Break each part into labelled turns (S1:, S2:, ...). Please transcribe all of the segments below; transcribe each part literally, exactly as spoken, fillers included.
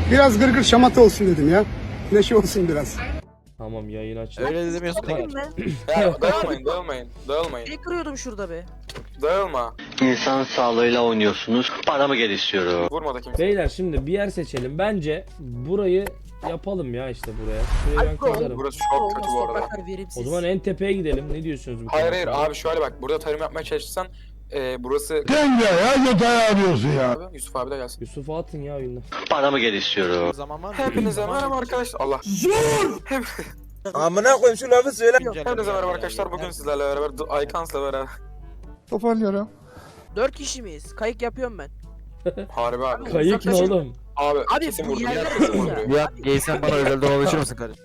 S1: Biraz gırgır şamata olsun dedim ya. Neşe olsun biraz.
S2: Tamam, yayın aç.
S3: Öyle demiyorsun.
S4: Değil mi?
S5: Ya dağılmayın, dağılmayın, dağılmayın.
S4: Ne kırıyordum şurada be?
S5: Dağılma.
S6: İnsan sağlığıyla oynuyorsunuz. Paramı gel istiyorum.
S5: Vurma da kimse.
S2: Beyler şimdi bir yer seçelim. Bence burayı yapalım ya işte buraya. Şurayı ben kazarım.
S5: Burası çok kötü bu arada.
S4: Topraklar verimsiz.
S2: O zaman en tepeye gidelim. Ne diyorsunuz bu
S5: Hayır
S2: konuda?
S5: hayır abi şöyle bak. Burada tarım yapmaya çalışırsan e, burası...
S7: Sen ya ya yatağı arıyorsun ya.
S5: Abi, Yusuf abi de gelsin.
S2: Yusuf'u atın ya oyundan.
S6: Paramı gel istiyorum.
S3: Zaman var mı?
S5: Hepinize merhaba arkadaşlar. Allah.
S8: Amına koyayım şu lafı söyle.
S5: Hepinize merhaba arkadaşlar. Bugün sizlerle beraber The Icans'la beraber.
S7: Toparlıyorum.
S4: Dört kişi miyiz? Kayık yapıyorum ben.
S5: Harbi abi.
S2: Kayık ne
S4: uzaklaşın.
S2: oğlum?
S5: Abi,
S4: Abi
S5: kesin
S4: bu
S5: vurdu.
S4: yerler
S5: Kesin
S4: ya.
S5: vurdu.
S3: Ya geysen bana özelden ulaşır mısın kardeşim?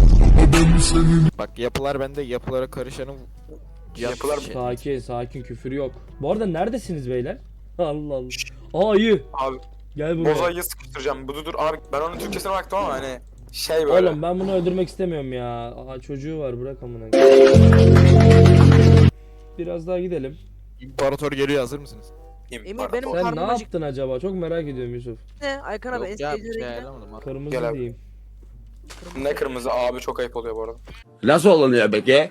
S3: Bak yapılar bende, yapılara karışanın
S5: Yapılar-
S3: şey.
S2: Sakin sakin, küfür yok. Bu arada neredesiniz beyler? Allah Allah. Aa iyi.
S5: Abi
S2: Gel buraya.
S5: bozayı sıkıştıracağım. Bu dur abi ben onun Türkçesine baktım ama hani şey böyle.
S2: Oğlum ben bunu öldürmek istemiyorum ya. Aa çocuğu var, bırak amına. Biraz daha gidelim.
S3: İmparator geliyor, hazır mısınız?
S5: İmparator.
S4: benim-
S2: Sen
S4: karnım
S2: ne
S4: acıktı.
S2: yaptın acaba? Çok merak ediyorum Yusuf.
S4: Ne? Aykan abi en
S3: Yok ya, bir
S4: sevdiğin
S3: şey
S4: renk ne?
S3: ayarlamadım abi.
S2: Kırmızı
S5: Gel abi.
S2: diyeyim.
S5: Ne kırmızı abi çok ayıp oluyor bu arada.
S8: Nasıl oluyor peki?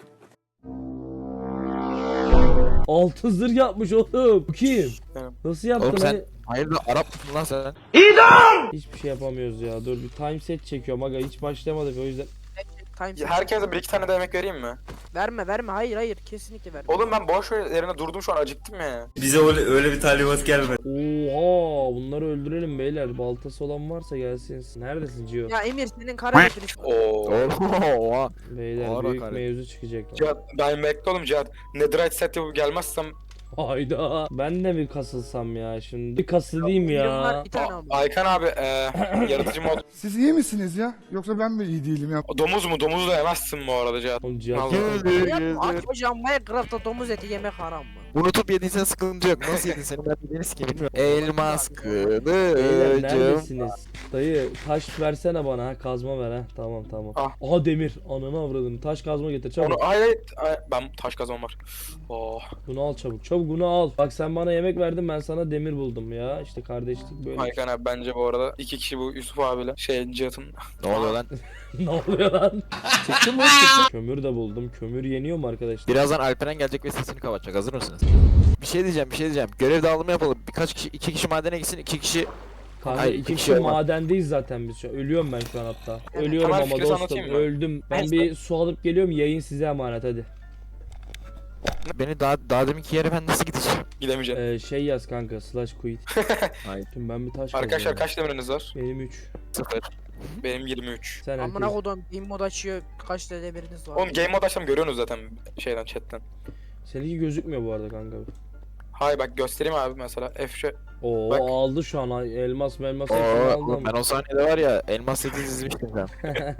S2: Altın zırh yapmış oğlum. Bu kim?
S5: Benim.
S2: Nasıl yaptın?
S3: Oğlum sen-
S2: Hani-
S3: Hayırdır Arap mısın lan sen?
S2: Hiçbir şey yapamıyoruz ya. Dur bir time set çekiyorum aga. Hiç başlamadık o yüzden.
S4: Time
S5: Ya herkese bir iki tane de yemek vereyim mi?
S4: Verme verme hayır hayır kesinlikle verme.
S5: Oğlum ben boş yerine durdum şu an acıktım ya.
S8: Bize öyle, öyle bir talimat gelmedi.
S2: Oha, bunları öldürelim beyler. Baltası olan varsa gelsin. Neredesin Cio?
S4: Ya Emir senin kara götürüş.
S5: Oo.
S3: Oha.
S2: Beyler
S3: Ağır
S2: büyük
S3: hakaret.
S2: mevzu çıkacak.
S5: Cihat ben bekle oğlum Cihat. Netherite set yapıp gelmezsem
S2: Hayda. Ben de bir kasılsam ya şimdi. Bir kasılayım
S4: Birim var,
S2: ya.
S4: bir tane aldım.
S5: Aykan abi e, yaratıcı mod.
S7: Siz iyi misiniz ya? Yoksa ben mi iyi değilim ya?
S5: Domuz mu? Domuzu da yemezsin bu arada Cihat.
S2: Oğlum Cihat.
S5: Vallahi.
S4: Yapma açmayacağım Minecraft'ta domuz eti yemek haram mı?
S3: Unutup yediysen sıkıntı yok. Nasıl yedin seni ben bildiğini sikeyim bilmiyorum. Elmas
S2: Beyler
S3: kılıcım.
S2: neredesiniz? Dayı taş versene bana ha, kazma ver ha. Tamam tamam.
S5: Ah.
S2: Aha demir. Ananı avradını. Taş kazma getir çabuk.
S5: Onu ay, ay, ay ben taş kazmam var. Oh.
S2: Bunu al çabuk. Çabuk bunu al. Bak sen bana yemek verdin, ben sana demir buldum ya. İşte kardeşlik böyle.
S5: Aykan abi bence bu arada iki kişi bu Yusuf abiyle şey Cihat'ın.
S3: Ne oluyor lan?
S2: Ne oluyor lan?
S3: Çıktı mı? Çıktı.
S2: Kömür de buldum. Kömür yeniyor mu arkadaşlar?
S3: Birazdan Alperen gelecek ve sesini kapatacak. Hazır mısınız? Bir şey diyeceğim, bir şey diyeceğim. Görev dağılımı yapalım. Birkaç kişi, iki kişi madene gitsin, iki kişi...
S2: Kanka
S3: Hayır,
S2: iki
S3: bir
S2: kişi
S3: şey olmaz.
S2: madendeyiz zaten biz şu an. Ölüyorum ben şu an hatta.
S4: Evet.
S2: Ölüyorum
S5: Temel
S2: ama
S5: fikri
S2: dostum.
S5: anlatayım mı?
S2: Öldüm. Ben
S5: Neyse.
S2: bir su alıp geliyorum. Yayın size emanet hadi.
S3: Beni daha, daha deminki yere ben nasıl gideceğim?
S5: Gidemeyeceğim.
S2: Ee, şey yaz kanka. Slash quit.
S3: Hayır.
S2: Şimdi ben bir taş
S5: Arkadaşlar
S2: kazıyorum.
S5: kaç demiriniz var?
S2: Benim üç.
S3: Sıfır.
S5: Benim yirmi üç.
S2: Sen
S4: Amına
S2: herkes.
S4: kodum game mod açıyor kaç tane demiriniz var.
S5: Oğlum game mode açsam görüyorsunuz zaten şeyden chatten.
S2: Seninki gözükmüyor bu arada kanka.
S5: Hay bak göstereyim abi mesela F şey.
S2: Oo
S5: Bak.
S2: aldı şu an. Ay, elmas melmas hepsini
S3: Oo,
S2: aldım.
S3: ben o sahnede var ya elmas seti dizmiştim ben.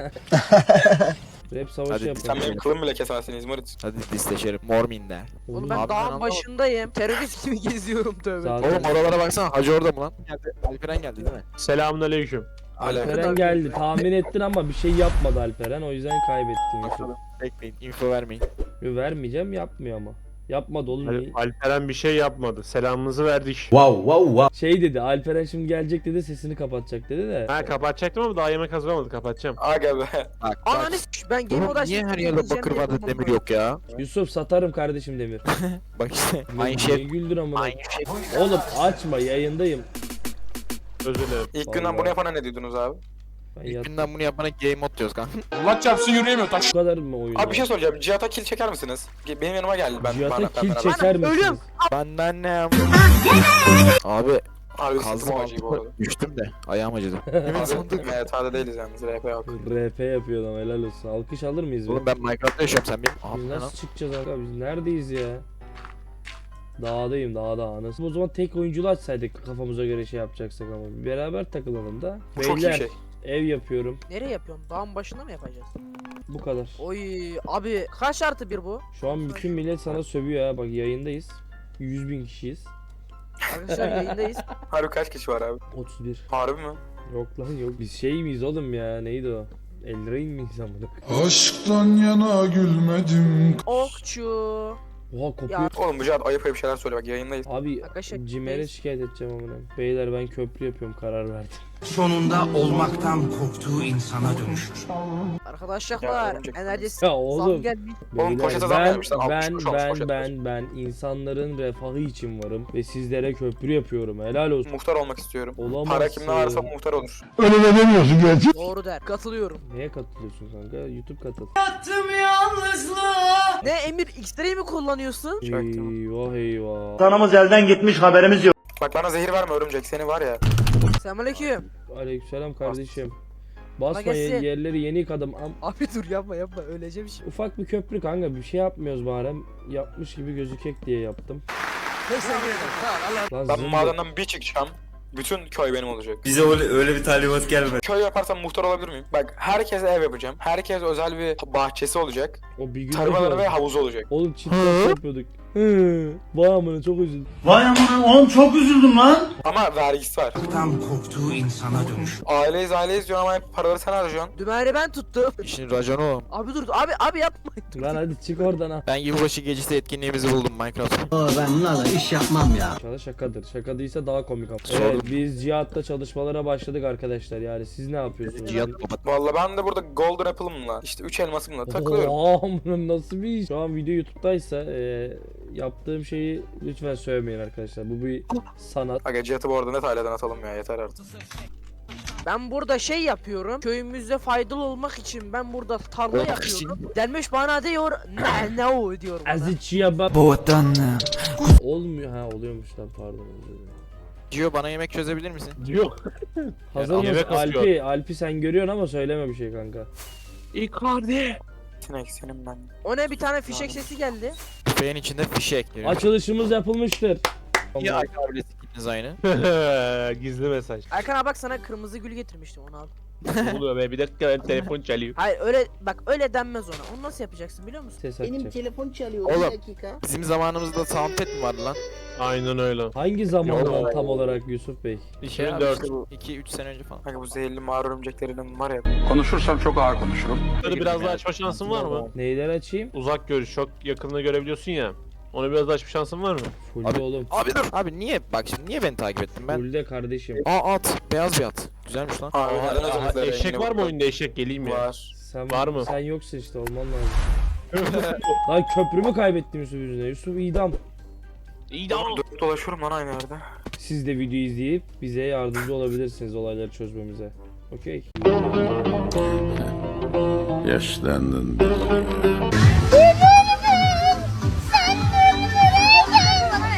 S2: Rap savaşı
S3: Hadi,
S5: Sen
S2: yapalım.
S5: benim kılımı bile kesemezsin İzmarit.
S3: Hadi disleşelim. Mormin'de.
S4: Oğlum ben
S3: Abi ben
S4: dağın
S3: anlamadım.
S4: başındayım. Terörist gibi geziyorum tövbe.
S2: Zaten-
S3: Oğlum oralara baksana Hacı orada mı lan? Geldi. Alperen geldi değil mi?
S9: Selamünaleyküm.
S2: Alperen geldi. Tahmin ettin ama bir şey yapmadı Alperen. O yüzden kaybettin Yusuf.
S3: Bekleyin, info vermeyin.
S2: Yo, vermeyeceğim, yapmıyor ama. Yapmadı oğlum.
S9: Al-
S2: niye?
S9: Alperen bir şey yapmadı. Selamımızı verdik.
S2: Şey dedi, Alperen şimdi gelecek dedi, sesini kapatacak dedi de.
S9: Ha kapatacaktım ama daha yemek hazırlamadı. Kapatacağım.
S5: Aga be.
S3: Bak
S4: Ananı
S3: bak.
S4: s*** ben game mod
S3: Oğlum
S4: açtım.
S3: niye her yerde bakır vardı demir yok ya?
S2: Yusuf satarım kardeşim demir.
S3: Bak işte aynı
S2: Niye
S3: şey.
S2: güldür amına.
S3: Aynı şey.
S2: Oğlum açma, yayındayım.
S9: Özür dilerim.
S5: İlk günden
S2: Vallahi.
S5: bunu yapana ne diyordunuz abi?
S2: Ben
S3: İlk
S2: yat...
S3: günden bunu yapana game mod diyoruz kanka.
S2: Bu kadar mı oyun?
S5: Abi bir şey soracağım. Cihat'a kill çeker misiniz? Ge- Benim yanıma geldi. Ben
S2: Cihat'a
S5: ben- ben
S2: kill
S5: beraber.
S2: çeker misiniz?
S4: ölüyorum.
S3: Benden ne? Abi
S5: Harbi
S3: kazdım
S5: sıktım acıyı bu arada.
S3: altıma düştüm de ayağım acıdı. Hemen
S5: Abi
S3: sandık.
S5: evet hadi değiliz yalnız. R P yok.
S2: R P yapıyor adam, helal olsun. Alkış alır mıyız?
S3: Oğlum
S2: be?
S3: ben Minecraft'ta yaşıyorum sen benim.
S2: Biz
S3: Abi ne lan?
S2: nasıl çıkacağız abi? Biz neredeyiz ya? Dağdayım, dağda anasını. O zaman tek oyunculu açsaydık kafamıza göre şey yapacaksak ama. Beraber takılalım da.
S5: Bu çok iyi
S2: Beyler,
S5: şey.
S2: ev yapıyorum.
S4: Nereye yapıyorsun? Dağın başında mı yapacağız?
S2: Bu kadar.
S4: Oy abi kaç artı bir bu?
S2: Şu an bütün millet sana sövüyor ha. Bak yayındayız. yüz bin kişiyiz.
S4: Arkadaşlar yayındayız.
S5: Harbi kaç kişi var abi?
S2: otuz bir.
S5: Harbi mi?
S2: Yok lan yok. Biz şey miyiz oğlum ya? Neydi o? Eldrain miyiz amına?
S7: Aşktan yana gülmedim.
S4: Okçu.
S2: Oha kopuyor.
S4: Ya
S5: Oğlum bu Cihat ayıp ayıp şeyler söyle bak yayındayız.
S2: Abi
S4: Arkadaşlar,
S2: Cimer'e
S4: neyse.
S2: şikayet edeceğim amına. Beyler ben köprü yapıyorum, karar verdim.
S10: Sonunda olmaktan korktuğu insana dönüşür.
S4: arkadaşlar
S5: Ya, örümcek
S4: enerjisi
S2: Ya
S4: zam
S2: oğlum.
S4: gelmiş.
S5: Oğlum
S2: Beyler,
S5: poşete zam
S2: ben,
S5: gelmişler, altmış
S2: ben,
S5: kuruş olmuş
S2: ben,
S5: poşet
S2: ben, ben insanların refahı için varım ve sizlere köprü yapıyorum. Helal olsun.
S5: Muhtar olmak istiyorum.
S2: Olamazsın.
S5: Para kimde varsa muhtar olur.
S7: Öyle de demiyorsun gerçi.
S4: Doğru der. Katılıyorum.
S2: Neye katılıyorsun kanka? YouTube katıl.
S4: Ne Emir X-Ray mi kullanıyorsun?
S5: Çaktım.
S2: Eyvah eyvah.
S8: Kanımız elden gitmiş haberimiz yok.
S5: Bak bana zehir verme örümcek seni var ya.
S4: Selamünaleyküm.
S2: Aleykümselam kardeşim. Basma
S4: gelsin.
S2: ye- yerleri yeni yıkadım. Am-
S4: Abi dur yapma yapma öleceğim şimdi.
S2: Ufak bir köprü kanka, bir şey yapmıyoruz bari. Yapmış gibi gözükek diye yaptım.
S4: Neyse
S2: Lan
S5: Ben
S2: zımba.
S5: madenden bir çıkacağım. Bütün köy benim olacak.
S8: Bize öyle, öyle bir talimat gelmedi.
S5: Köy yaparsam muhtar olabilir miyim? Bak herkese ev yapacağım. Herkes özel bir bahçesi olacak.
S2: O bir gün
S5: Tarımaları ve havuzu olacak.
S2: Oğlum çiftler yapıyorduk. Hı. Vay amına çok üzüldüm.
S8: Vay aman oğlum çok üzüldüm lan.
S5: Ama vergisi var.
S10: Tam korktuğu insana dönüşür.
S5: Aileyiz aileyiz diyorsun ama hep paraları sen harcıyorsun.
S4: Dümeni ben tuttum.
S3: İşin raconu o.
S4: Abi dur abi abi yapma. Dur,
S2: Lan
S4: dur.
S2: hadi çık oradan ha.
S3: Ben yılbaşı gecesi etkinliğimizi buldum Minecraft.
S10: Ben bunlarla iş yapmam ya.
S2: İnşallah şakadır. Şaka değilse daha komik ama.
S3: Sordum.
S2: Evet, biz Cihat'ta çalışmalara başladık arkadaşlar. Yani siz ne yapıyorsunuz?
S3: Cihat kapat.
S5: Valla ben de burada golden apple'ımla işte üç elmasımla takılıyorum.
S2: Oha amına nasıl bir iş? Şu an video YouTube'daysa e, yaptığım şeyi lütfen söylemeyin arkadaşlar. Bu bir sanat.
S5: Aga Cihat'ı bu arada net aileden atalım ya yeter artık.
S4: Ben burada şey yapıyorum. Köyümüzde faydalı olmak için ben burada tarla
S3: Olmak
S4: yapıyorum. Delmiş bana diyor ne ne o diyor bana.
S2: Azıcıya bak.
S10: Boğdan.
S2: Olmuyor ha, oluyormuş lan, pardon. özür dilerim.
S3: Gio bana yemek çözebilir misin?
S9: Yok.
S2: Hazır
S9: Ya,
S2: mısın?
S9: yemek asıyor.
S2: Alpi, Alpi sen görüyorsun ama söyleme bir şey kanka.
S9: Icardi.
S5: Sinek senin ben.
S4: O ne bir tane fişek sesi geldi.
S3: Tüfeğin içinde fişek.
S2: Açılışımız yapılmıştır.
S3: Ya abi ikiniz aynı.
S9: Gizli mesaj.
S4: Erkan abi bak sana kırmızı gül getirmiştim onu al.
S9: Ne oluyor be? Bir dakika benim telefon çalıyor.
S4: Hayır öyle bak öyle denmez ona. Onu nasıl yapacaksın biliyor musun?
S2: Ses açacak.
S11: telefon çalıyor
S3: Oğlum.
S11: bir dakika.
S3: Bizim zamanımızda soundpad mi vardı lan?
S9: Aynen öyle.
S2: Hangi zamandan
S9: Yok.
S2: tam olarak Yusuf Bey?
S3: iki bin dört. iki üç sene önce falan.
S5: Aga bu zehirli mağara örümceklerinin var ya.
S7: Konuşursam çok ağır konuşurum.
S9: Bunları biraz daha açma şansın var mı?
S2: Neyden açayım?
S9: Uzak görüş, çok yakınını görebiliyorsun ya. Onu biraz daha açma şansın var mı?
S2: Fullde
S3: Abi-
S2: oğlum.
S3: Abi dur. Abi niye? Bak şimdi niye beni takip ettin ben?
S2: Fullde kardeşim.
S3: Aa at. Beyaz bir at. Güzelmiş lan.
S5: Aa,
S9: Aa,
S5: neden
S9: aa,
S5: özür
S9: eşek
S5: dilerim,
S9: var mı
S5: yine
S9: oyunda, eşek geleyim ya?
S5: Var.
S2: Sen,
S9: Var mı?
S2: Sen yoksun işte, olman lazım. Lan köprümü kaybettim Yusuf yüzüne. Yusuf idam.
S9: İyi de
S5: Oğlum dönüp dolaşıyorum lan aynı yerde.
S2: Siz de videoyu izleyip bize yardımcı olabilirsiniz olayları çözmemize. Okey.
S7: Yaşlandın.